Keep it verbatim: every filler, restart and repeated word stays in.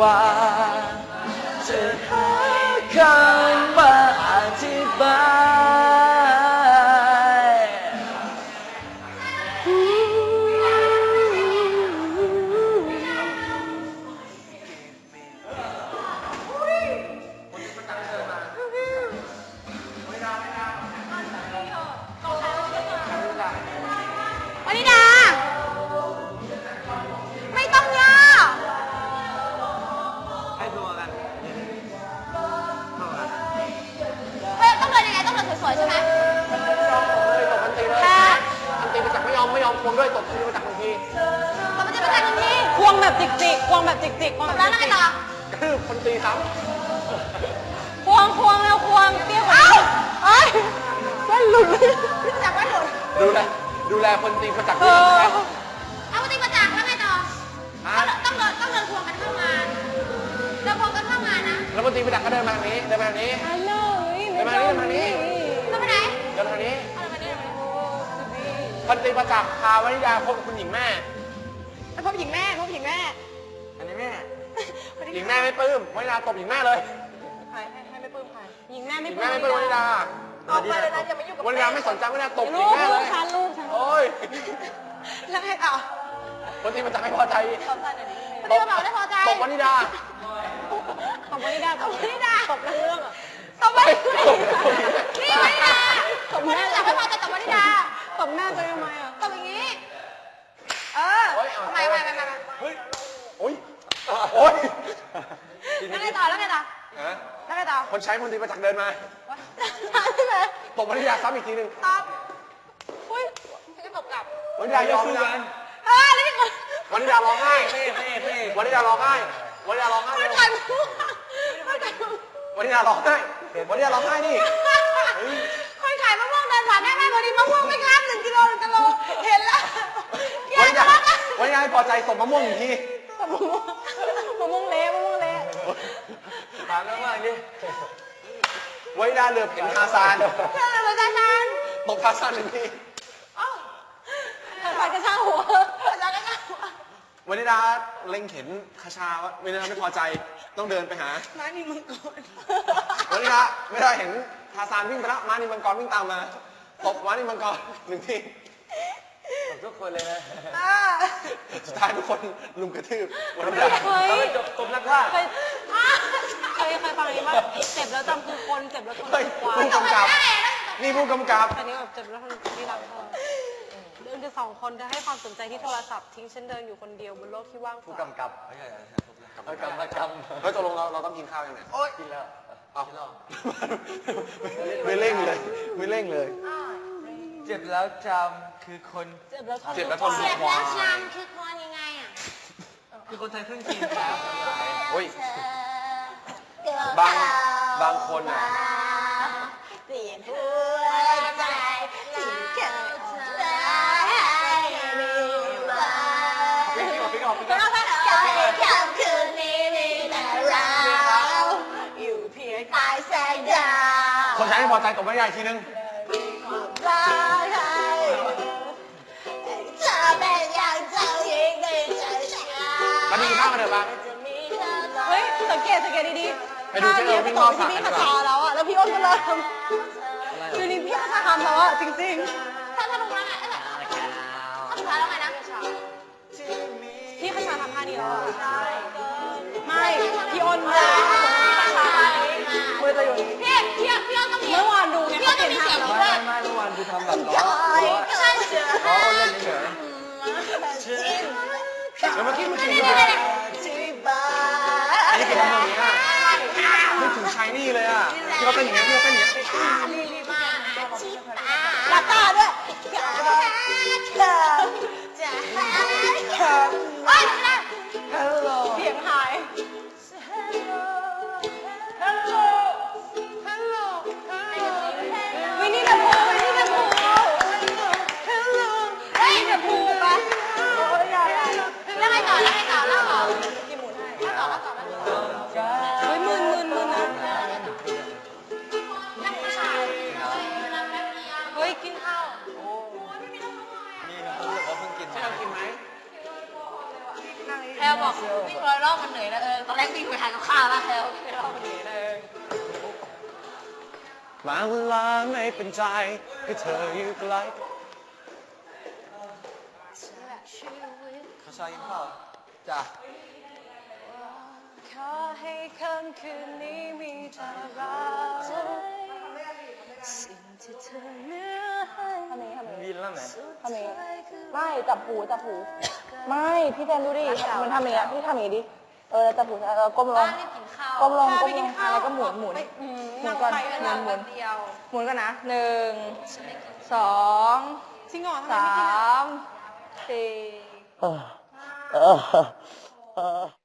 ว่าจะหาคำมาอธิบายวนิดาไม่ต้องย่อให้ตัวกันเฮ้ยต้องเดินยังไงต้องเดินสวยๆใช่ไหมตบมันตีเลยมันตีมาจากไม่ยอมไม่ยอมควงด้วยตบตีมาจากบางทีตบมันจะมาจากบางทีควงแบบจิกๆควงแบบจิกๆควงแบบแล้วนั่งไงต่อคือคนตีซ้ำควงควงแล้วควงเตี้ยกว่าเอ้ยเส้นหลุดจับไม่หลุดดูแลดูแลคนตีมาจากที่ใช่ไหมเอาคนตีมาจากแล้วไงต่อต้องเดินต้องเดินควงกันเข้างานเดินควงกันเข้างานนะแล้วคนตีมาจากก็เดินมาทางนี้เดินมาทางนี้เดินมาทางนี้เดินมาทางนี้เดินไปไหนเดินมาทางนี้คนตีมาจากพาวนิดาพบคุณหญิงแม่พบหญิงแม่พบหญิงแม่อันนี้แม่หญิงแม่ไม่ปลื้มวนิดาตบหญิงแม่เลยใครให้ให้ไม่ปลื้มใครหญิงแม่ไม่ปลื้มหญิงแม่ไม่ปลื้มวนิดาออกไปเลยนะอย่ามายุ่งกับวนิดาไม่สนใจวนิดาตบหญิงแม่เลยฉันลูกฉันโอ้ยแล้วไงต่อคนตีมาจากไม่พอใจคนตีมาบอกไม่พอใจตบวนิดาตบวนิดาตบวนิดาตบเรื่องอ่ะตบวนิดานี่วนิดาตบวนิดาไม่พอใจตบวนิดาตบหน้าตัวเองทำไมอ่ะตบอย่างนี้เออทำไมทำไมทำไมเฮ้ยโอ้ยโอ้ยแล้วไงต่อแล้วไงต่อแล้วไงต่อคนใช้คนตีมาจากเดินมาตบวนิดาซ้ำอีกทีหนึ่งตบอุ้ยจะตบกลับวนิดายอมนะเออแล้วนี่วนิดาร้องไห้วนิดาร้องไห้วนิดาร้องไห้ไม่ทันไม่ทันวนิดาร้องไห้วนิดาร้องไห้นี่คนขายมะม่วงเดินผ่านได้ไหมวันนี้มะม่วงไม่ข้ามหนึ่งกิโลหนึ่งกิโลเห็นแล้ววนิดาวันนี้พอใจส่งมะม่วงอีกทีมะม่วงเละมะม่วงเละผ่านแล้วมากนี่วนิดาเหลือบเห็นทาซานเหลือบเห็นทาซานตกทาซานหนึ่งทีใส่กระชากหัวกระชากกระชากหัววนิดาเล็งเห็นคาชาวะวนิดาไม่พอใจต้องเดินไปหาม้านิมังกรวนิดาไม่ได้เห็นทาซานวิ่งไปแล้วม้านิมังกรวิ่งตามมาตบม้านิมังกรหนึ่งทีตบทุกคนเลยนะสุดท้ายทุกคนลุมกระทืบวนิดาเขาจบตบนักฆ่าเคยเคยเคยฟังนี้ว่าเจ็บแล้วจำคือคนเจ็บแล้วทนกว่าผู้กำกับนี่ผู้กำกับอันนี้แบบเจ็บแล้วทนที่รักเธอเดินกันสองคนเธอให้ความสนใจที่โทรศัพท์ทิ้งฉันเดินอยู่คนเดียวบนโลกที่ว่างเปล่าผู้กำกับไม่ใช่ผู้กำกับเฮ้ยตกลงเราเราต้องกินข้าวยังไงโอ๊ยกินแล้วเอาไม่เร่งเลยไม่เร่งเลยเจ็บแล้วจำคือคนเจ็บแล้วทนเจ็บแล้วทนเจ็บแล้วจำคือคนยังไงอ่ะคือคนไทยครึ่งจีนครับโอ้ยบางบางคนอ่ะเปลี่ยนหัวใจที่เกิดพี่ออกพี่ออกพี่ออกค่ำคืนนี้มีแต่เราอยู่เพียงใต้แสงดาวคนใช้ไม่พอใจตบไม่ได้ทีนึงรักใครเธอเป็นอย่างเจ้าหญิงในใจฉันมาดูข้าวมาเถอะบ้างเฮ้ยสังเกตสังเกตดีๆไปดูเจ้าเอ๋วิ่งรอบสระพี่คาชาแล้วอ่ะแล้วพี่อ้นก็เริ่มดูนี่พี่คาชาทำแล้วอ่ะจริงๆถ้าถ้าลงแล้วไงถ้าสุดท้ายแล้วไงนะพี่คาชาทำท่านี้แล้วอ่ะไม่พี่อ้นมือมือจะอยู่พี่พี่พี่อ้นต้องมีเมื่อวานดูไงพี่อ้นต้องมีเสียงไม่ด้วยไม่เมื่อวานคือทำแบบล้อล้อล้อเล่นเฉยแล้วเมื่อกี้เมื่อกี้อันนี้เป็นทำอย่างนี้อ่ะนึกถึงชายนี่เลยอ่ะที่เขาเป็นอย่างนี้ที่เขาเป็นอย่างนี้หลับตาด้วยเฮ้ยไม่ได้เสียงหายวินี่แบบพูวินี่แบบพูเฮ้ยแบบพูปะแล้วไงต่อแล้วไงต่อแล้วต่อกี่หมุนให้แล้วต่อแล้วต่อแล้วต่อเฮ้ยมึนมึนมึนนะเฮ้ยกินข้าวลบอกวิ่งร้อยรอบมันเหนื่อยแล้วเออตอนแรกวิ่งไปหากับข้าวแล้วแคลวิ่งร้อยรอบมันเหนื่อยเลยบางเวลาไม่เป็นใจก็เธออยู่ไกลเขาชายกินข้าวจ้ะขอให้ค่ำคืนนี้มีแต่เราสิ่งที่เธอเหลือให้ทำไมทำไมวินแล้วไหนทำไมไม่จับหูจับหูไม่พี่แทนดูดิมันทำอย่างเงี้ยพี่ทำอย่างงี้ดิเออจับหูเออก้มลงบ้านรีบกินข้าวก้มลงก้มลงอะไรก็หมุนหมุนหมุนก่อนหเวมุลานหมุวัน นเดียวหมุนกันนะหนึ่งสองจริงเหรอทำไมสาไม่กินอ่ะมสี่เออเออเออ